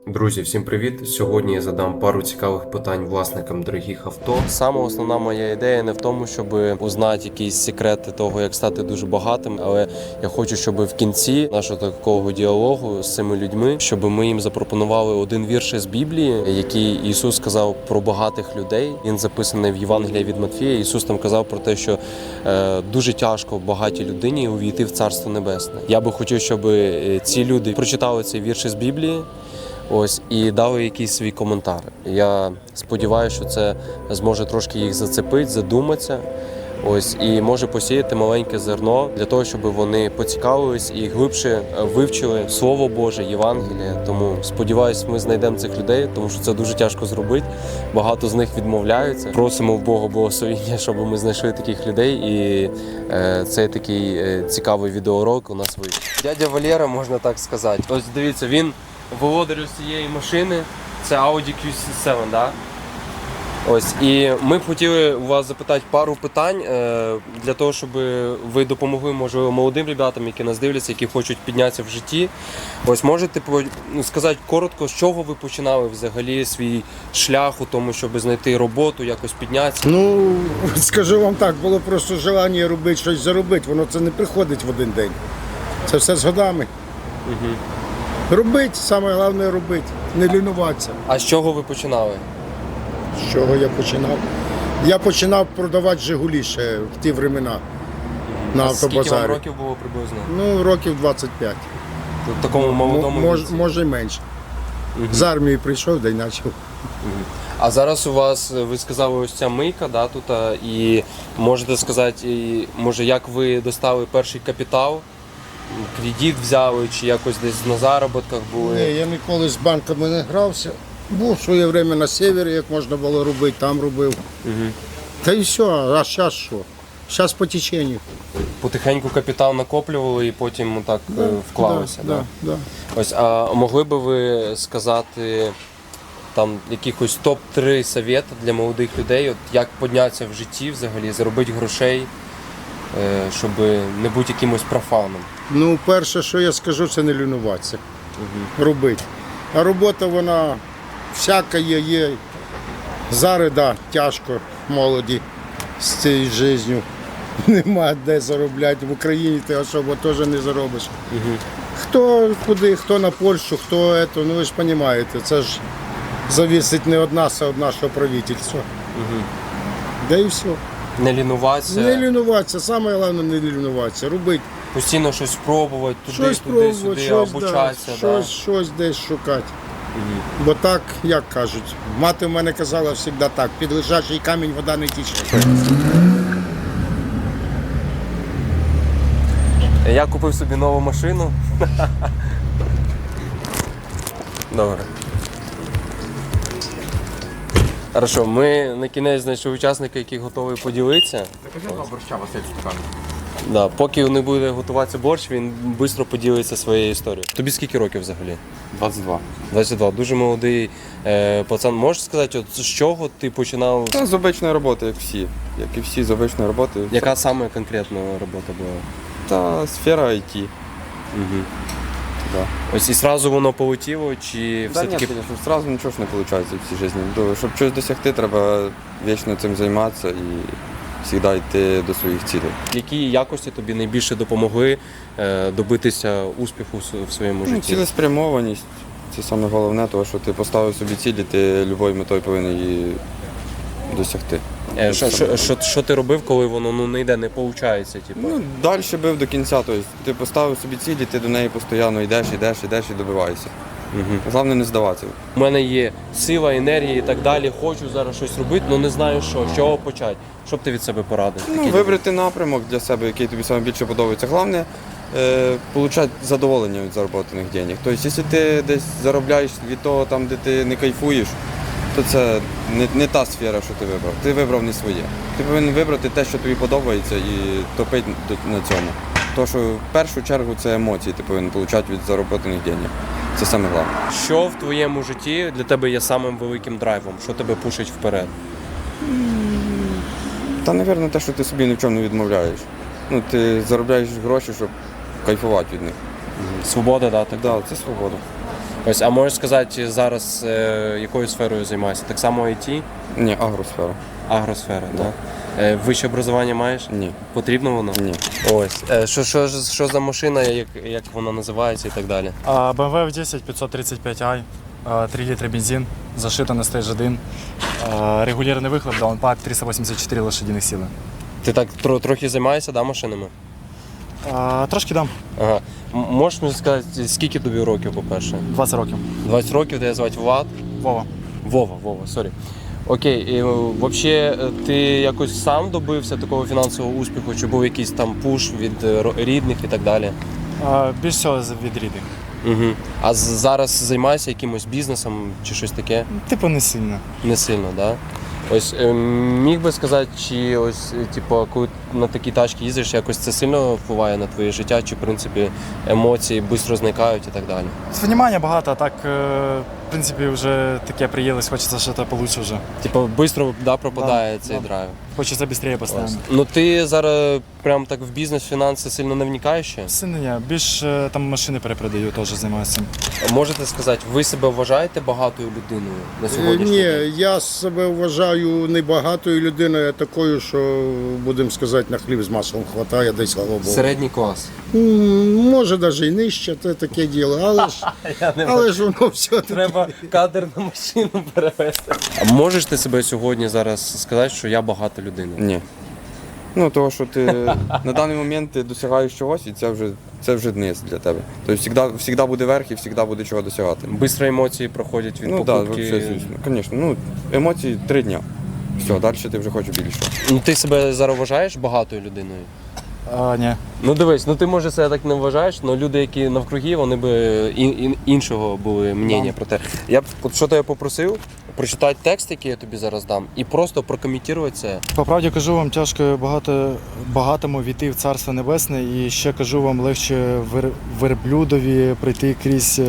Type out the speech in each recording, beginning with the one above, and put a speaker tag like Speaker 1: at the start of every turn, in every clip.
Speaker 1: Друзі, всім привіт! Сьогодні я задам пару цікавих питань власникам дорогих авто. Саме основна моя ідея не в тому, щоб узнати якісь секрети того, як стати дуже багатим, але я хочу, щоб в кінці нашого такого діалогу з цими людьми, щоб ми їм запропонували один вірш із Біблії, який Ісус сказав про багатих людей. Він записаний в Євангелії від Матфія. Ісус там казав про те, що дуже тяжко багатій людині увійти в Царство Небесне. Я би хотів, щоб ці люди прочитали цей вірш із Біблії. Ось, і дали якийсь свій коментар. Я сподіваюся, що це зможе трошки їх зацепити, задуматися. Ось, і може посіяти маленьке зерно для того, щоб вони поцікавились і глибше вивчили Слово Боже, Євангеліє. Тому сподіваюся, ми знайдемо цих людей, тому що це дуже тяжко зробити. Багато з них відмовляються. Просимо в Бога благословення, щоб ми знайшли таких людей. І цей такий цікавий відеоурок у нас вийшов. Дядя Валера, можна так сказати. Ось дивіться, він володар цієї машини, це Audi Q7, да? Ось, і ми б хотіли у вас запитати пару питань для того, щоб ви допомогли, можливо, молодим ребятам, які нас дивляться, які хочуть піднятися в житті. Ось, можете сказати коротко, з чого ви починали взагалі свій шлях у тому, щоб знайти роботу, якось піднятися?
Speaker 2: Ну, скажу вам так, було просто бажання робити щось заробити, воно це не приходить в один день. Це все з годами.
Speaker 1: Угу.
Speaker 2: Робити, саме головне робити, не лінуватися.
Speaker 1: А з чого ви починали?
Speaker 2: З чого я починав? Я починав продавати «Жигулі» ще в ті времена на автобазарі.
Speaker 1: Скільки вам років було приблизно?
Speaker 2: Ну, років 25.
Speaker 1: В такому молодому віці?
Speaker 2: Може й менше. З армії прийшов, да й почав.
Speaker 1: А зараз у вас, ви сказали, ось ця мийка, да, тут, і можете сказати, може, як ви достали перший капітал? Кредит взяли, чи якось десь на заробітках були?
Speaker 2: Ні, я ніколи з банками не грався. Був своє время на севері, як можна було робити, там робив.
Speaker 1: Угу.
Speaker 2: Та і все, а зараз що? Зараз по теченню.
Speaker 1: Потихеньку капітал накоплювали і потім так вклалися?
Speaker 2: Да.
Speaker 1: Ось, а могли би ви сказати там якихось топ-3 совєти для молодих людей, от як піднятися в житті взагалі, заробити грошей, щоб не бути якимось профаном?
Speaker 2: Ну, перше, що я скажу, це не лінуватися. Робити. А робота, вона всяка є. Зараз, да, тяжко молоді з цією життю. Нема де заробляти. В Україні ти особо теж не заробиш. Хто куди, хто на Польщу, хто це, ну ви ж розумієте, це ж залежить не від нас, а від нашого правительства. Да і все.
Speaker 1: Не лінуватися?
Speaker 2: Не лінуватися, саме головне не лінуватися, робити.
Speaker 1: Постійно щось спробувати,
Speaker 2: Щось
Speaker 1: туди-сюди, обучатися.
Speaker 2: Да, щось десь шукати. Бо так, як кажуть, мати в мене казала завжди так, під лежачий камінь вода не тіче.
Speaker 1: Я купив собі нову машину. Добре. Хорошо, ми на кінець знайшли учасника, який готовий поділитися.
Speaker 3: Борща Василь Стукан.
Speaker 1: Да, поки не буде готуватися борщ, він швидко поділиться своєю історією. Тобі скільки років взагалі?
Speaker 3: 22.
Speaker 1: 22. Дуже молодий пацан. Можеш сказати, от з чого ти починав?
Speaker 3: Та з обичної роботи, як всі. Як і всі з обичної роботи.
Speaker 1: Яка саме конкретна робота була?
Speaker 3: Та сфера IT.
Speaker 1: Угу.
Speaker 3: Да.
Speaker 1: Ось і одразу воно полетіло, чи
Speaker 3: Да,
Speaker 1: все-таки...
Speaker 3: ні, звісно, одразу нічого ж не виходить в цій житті. Щоб щось досягти, треба вічно цим займатися і завжди йти до своїх цілей.
Speaker 1: Які якості тобі найбільше допомогли добитися успіху в своєму
Speaker 3: Ну,
Speaker 1: житті?
Speaker 3: цілеспрямованість. Це саме головне, тому що ти поставив собі цілі, ти любою метою повинен її досягти.
Speaker 1: Що ти робив, коли воно не йде, не виходить? Типу?
Speaker 3: Ну, далі бив до кінця. Тобто, ти поставив собі цілі, ти до неї постійно йдеш і добиваєшся. Головне не здаватися.
Speaker 1: У мене є сила, енергія і так далі. Хочу зараз щось робити, але не знаю що. З чого почати? Що б ти від себе порадив?
Speaker 3: Ну, вибрати напрямок для себе, який тобі найбільше подобається. Головне отримати задоволення від зароблених грошей. Тобто, якщо ти десь заробляєш від того, там, де ти не кайфуєш, то це не та сфера, що ти вибрав. Ти вибрав не своє. Ти повинен вибрати те, що тобі подобається, і топити на цьому. Тому що в першу чергу це емоції ти повинен отримати від зароблених грошей. Це саме головне.
Speaker 1: Що в твоєму житті для тебе є самим великим драйвом? Що тебе пушить вперед?
Speaker 3: Та, мабуть, те, що ти собі ні в чому не відмовляєш. Ну, ти заробляєш гроші, щоб кайфувати від них.
Speaker 1: Свобода, да? Так?
Speaker 3: Так, це свобода.
Speaker 1: Ось, а можеш сказати зараз, якою сферою займаєшся? Так само IT?
Speaker 3: Ні, агросфера.
Speaker 1: Агросфера, так? Вище образування маєш?
Speaker 3: Ні.
Speaker 1: Потрібно воно?
Speaker 3: Ні.
Speaker 1: Ось. Що за машина, як вона називається і так далі?
Speaker 4: BMW F10 535i, 3 літри бензин, зашита на стейдж 1, регулярний вихлоп, даунпак, 384 лошадиних сили.
Speaker 1: Ти так трохи займаєшся, да, машинами?
Speaker 4: Трошки дам,
Speaker 1: Ага. Можеш мені сказати, скільки тобі років, по-перше?
Speaker 4: 20 років.
Speaker 1: 20 років, тебе звати Влад?
Speaker 4: Вова.
Speaker 1: Вова, сорі. Окей, і взагалі ти якось сам добився такого фінансового успіху, чи був якийсь там пуш від рідних і так далі?
Speaker 4: Більш всього від рідних.
Speaker 1: Угу. А зараз займаєшся якимось бізнесом чи щось таке?
Speaker 4: Типу не сильно.
Speaker 1: Не сильно, так? Да? Ось міг би сказати, чи ось, типу, коли на такі тачки їздиш, якось це сильно впливає на твоє життя, чи в принципі емоції швидко зникають і так далі?
Speaker 4: Внимання багато, а так, в принципі, вже таке приїлось, хочеться щось получше вже.
Speaker 1: Типу, швидко пропадає
Speaker 4: Да,
Speaker 1: цей
Speaker 4: да.
Speaker 1: драйв.
Speaker 4: Хочеться швидше постійно.
Speaker 1: Ну ти зараз прям так в бізнес, фінанси сильно не вникаєш ще?
Speaker 4: Сильно ні, більш там машини перепродаю, теж займаюся цим.
Speaker 1: Можете сказати, ви себе вважаєте багатою людиною на сьогоднішній
Speaker 2: Ні,
Speaker 1: день?
Speaker 2: я себе вважаю небагатою людиною, а такою, що, будемо сказати, на хліб з маслом хватає десь, слава Богу.
Speaker 1: Середній клас.
Speaker 2: Може, навіть і нижче, це таке діло, але ж воно все
Speaker 1: Треба кадр на машину перевести. А можеш ти себе сьогодні зараз сказати, що я багата людина?
Speaker 3: Ні. Ну, того, що ти на даний момент ти досягаєш чогось, і це вже дниз для тебе. Тобто завжди буде верх і завжди буде чого досягати.
Speaker 1: Бистро емоції проходять від
Speaker 3: Ну так,
Speaker 1: покупки.
Speaker 3: взагалі, звісно. Звісно. Ну, емоції 3 дня. Все, далі ти вже хочеш більше.
Speaker 1: Ну ти себе зараз вважаєш багатою людиною?
Speaker 4: Ні.
Speaker 1: Ну дивись, ну ти може себе так не вважаєш, але люди, які навкруги, вони б іншого були мнення про те. Я б от що тебе попросив, прочитати текст, який я тобі зараз дам, і просто прокоментувати це.
Speaker 4: По правді кажу вам, тяжко багатому війти в Царство Небесне, і ще кажу вам, легше верблюдові прийти крізь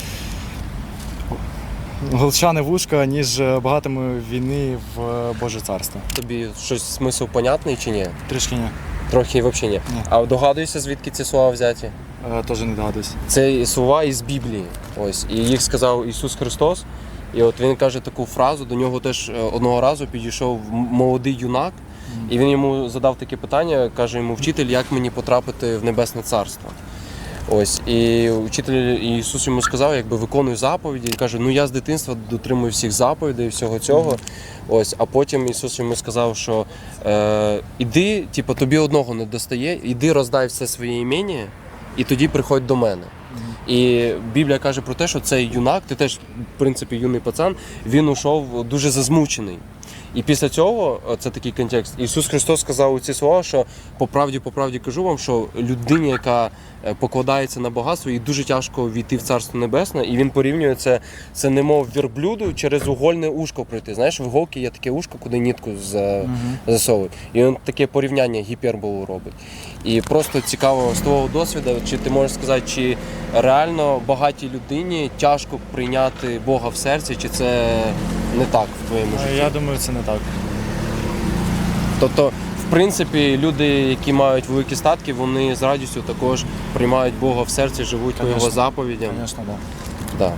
Speaker 4: голчане вушка, ніж багатому війни в Боже Царство.
Speaker 1: Тобі щось смисл понятний чи ні?
Speaker 4: Трішки ні.
Speaker 1: Трохи взагалі ні.
Speaker 4: Ні.
Speaker 1: А догадуєшся, звідки ці слова взяті?
Speaker 4: Теж не догадуюсь.
Speaker 1: Це слова із Біблії. Ось. І їх сказав Ісус Христос. І от він каже таку фразу, до нього теж одного разу підійшов молодий юнак, і він йому задав таке питання, каже йому: вчитель, як мені потрапити в Небесне Царство? Ось, і вчитель Ісус йому сказав, якби виконуй заповіді. І каже, ну я з дитинства дотримую всіх заповідей, всього цього. Ось, а потім Ісус йому сказав, що іди, типу, тобі одного не достає, іди роздай все своє імення, і тоді приходь до мене. І Біблія каже про те, що цей юнак, ти теж, в принципі, юний пацан, він ушов дуже зазмучений. І після цього, це такий контекст, Ісус Христос сказав ці слова, що по правді кажу вам, що людині, яка покладається на багатство, їй дуже тяжко війти в Царство Небесне, і він порівнює це немов вірблюду через угольне ушко пройти. Знаєш, в іголки є таке ушко, куди нитку засовують. І він таке порівняння, гіперболу робить. І просто цікаво з твого досвіду, чи ти можеш сказати, чи реально багатій людині тяжко прийняти Бога в серці, чи це не так в твоєму житті?
Speaker 4: Я думаю, це не так.
Speaker 1: Тобто, в принципі, люди, які мають великі статки, вони з радістю також приймають Бога в серці, живуть по його
Speaker 4: Конечно.
Speaker 1: заповідям.
Speaker 4: Звісно, так.
Speaker 1: Да.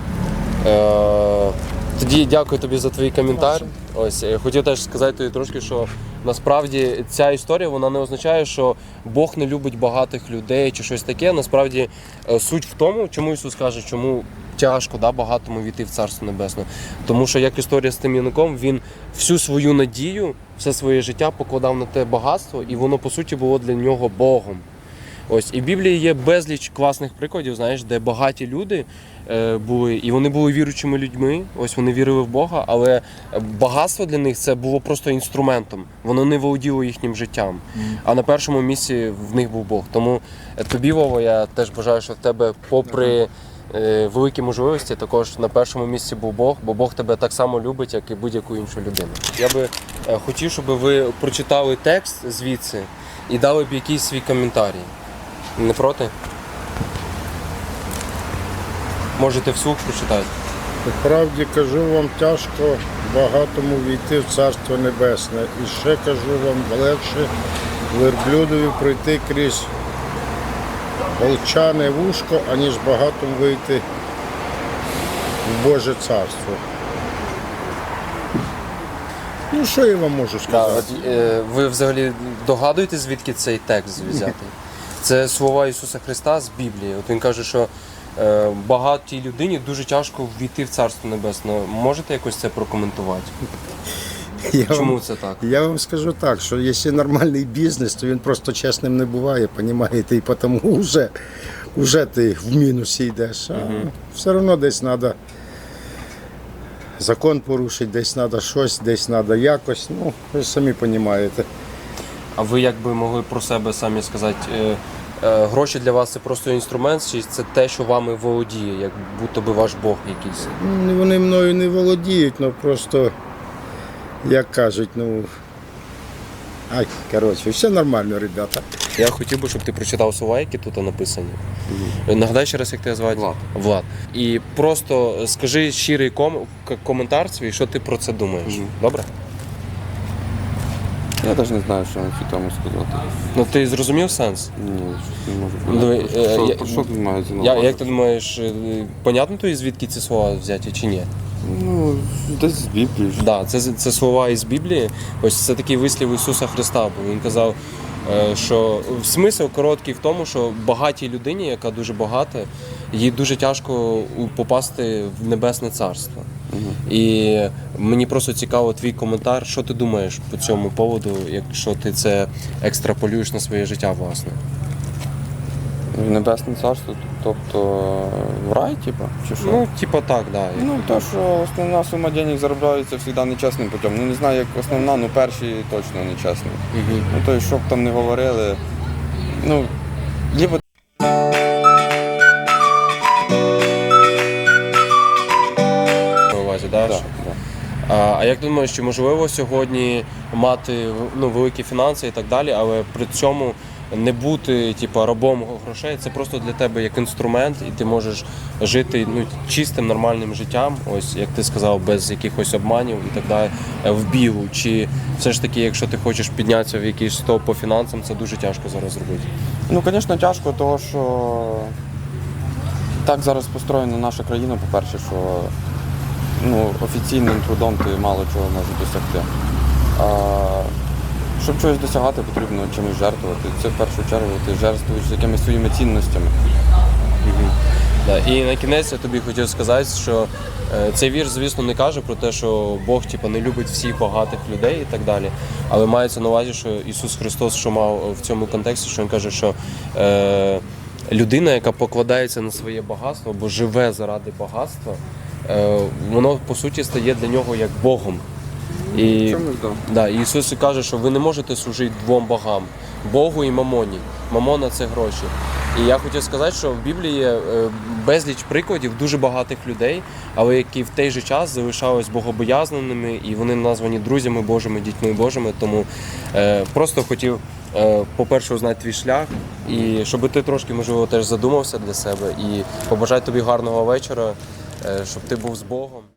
Speaker 1: Тоді дякую тобі за твій коментар. Ось хотів теж сказати тобі трошки, що насправді ця історія вона не означає, що Бог не любить багатих людей чи щось таке. Насправді суть в тому, чому Ісус каже, чому тяжко багатому війти в Царство Небесне. Тому що, як історія з тим юнаком, він всю свою надію, все своє життя покладав на те багатство, і воно по суті було для нього Богом. Ось, і в Біблії є безліч класних прикладів, знаєш, де багаті люди були, і вони були віруючими людьми, ось вони вірили в Бога, але багатство для них це було просто інструментом, воно не володіло їхнім життям. А на першому місці в них був Бог. Тому тобі, Вова, я теж бажаю, що в тебе, попри великі можливості, також на першому місці був Бог, бо Бог тебе так само любить, як і будь-яку іншу людину. Я би хотів, щоб ви прочитали текст звідси і дали б якийсь свій коментарій. Не проти? Можете вслух прочитати.
Speaker 2: По правді кажу вам, тяжко багатому війти в Царство Небесне. І ще кажу вам, легше верблюдові пройти крізь волчане вушко, аніж багатому вийти в Боже царство. Ну, що я вам можу
Speaker 1: Да,
Speaker 2: сказати?
Speaker 1: от, ви взагалі догадуєтесь, звідки цей текст взятий? Це слова Ісуса Христа з Біблії. От він каже, що багатій людині дуже тяжко ввійти в Царство Небесне. Можете якось це прокоментувати? Чому це так?
Speaker 2: Я вам скажу так, що якщо нормальний бізнес, то він просто чесним не буває, розумієте, і тому вже ти в мінусі йдеш. А все одно десь треба закон порушити, десь треба щось, десь треба якось. Ну, ви ж самі розумієте.
Speaker 1: А ви як би могли про себе самі сказати, гроші для вас це просто інструмент, чи це те, що вами володіє, як будто би ваш Бог якийсь?
Speaker 2: Вони мною не володіють, але просто, як кажуть, коротше, все нормально, ребята.
Speaker 1: Я хотів би, щоб ти прочитав слова, які тут написані. Нагадай ще раз, як тебе звати?
Speaker 3: Влад.
Speaker 1: Влад. І просто скажи щирий коментар свій, що ти про це думаєш. Добре?
Speaker 3: Я навіть не знаю, що на цю тему сказати.
Speaker 1: Ну ти зрозумів сенс?
Speaker 3: Ні, не можу
Speaker 1: Ну,
Speaker 3: понять. Що тут мається на увазі?
Speaker 1: Як ти думаєш, понятно тобі, звідки ці слова взяті чи ні?
Speaker 3: Ну, десь з Біблії. ж.
Speaker 1: Да, це слова із Біблії. Ось це такий вислів Ісуса Христа. Бо він казав, що смисл короткий в тому, що багатій людині, яка дуже багата, їй дуже тяжко попасти в Небесне Царство. І мені просто цікаво твій коментар, що ти думаєш по цьому поводу, якщо ти це екстраполюєш на своє життя, власне.
Speaker 3: В Небесне Царство, тобто в рай, типу, чи що?
Speaker 1: Ну, типа так, да.
Speaker 3: Ну, то, що основна сума денег заробляється завжди нечесним путем. Ну, не знаю, як основна, ну перші точно нечесні.
Speaker 1: Угу.
Speaker 3: Ну, то, що б там не говорили, ну, либо
Speaker 1: На увазі, да?
Speaker 3: да,
Speaker 1: що?
Speaker 3: да.
Speaker 1: А як ти думаєш, чи можливо сьогодні мати великі фінанси і так далі, але при цьому не бути рабом грошей, це просто для тебе як інструмент, і ти можеш жити чистим, нормальним життям, ось як ти сказав, без якихось обманів і так далі, в бігу. Чи все ж таки, якщо ти хочеш піднятися в якийсь топ по фінансам, це дуже тяжко зараз зробити?
Speaker 3: Ну, звісно, тяжко, тому що так зараз построєна наша країна, по-перше, що офіційним трудом ти мало чого можеш досягти. Щоб чогось досягати, потрібно чимось жертвувати. Це в першу чергу ти жертвуєш якимись своїми цінностями.
Speaker 1: Да. І на кінець я тобі хотів сказати, що цей вірш, звісно, не каже про те, що Бог не любить всіх багатих людей і так далі. Але мається на увазі, що Ісус Христос, що мав в цьому контексті, що Він каже, що людина, яка покладається на своє багатство або живе заради багатства, воно по суті стає для нього як Богом. І,
Speaker 3: Чомусь,
Speaker 1: да, і Ісус каже, що ви не можете служити двом богам – Богу і мамоні. Мамона – це гроші. І я хотів сказати, що в Біблії є безліч прикладів дуже багатих людей, але які в той же час залишались богобоязненими, і вони названі друзями Божими, дітьми Божими. Тому просто хотів, по-перше, узнати твій шлях, і щоб ти трошки, можливо, теж задумався для себе. І побажати тобі гарного вечора, щоб ти був з Богом.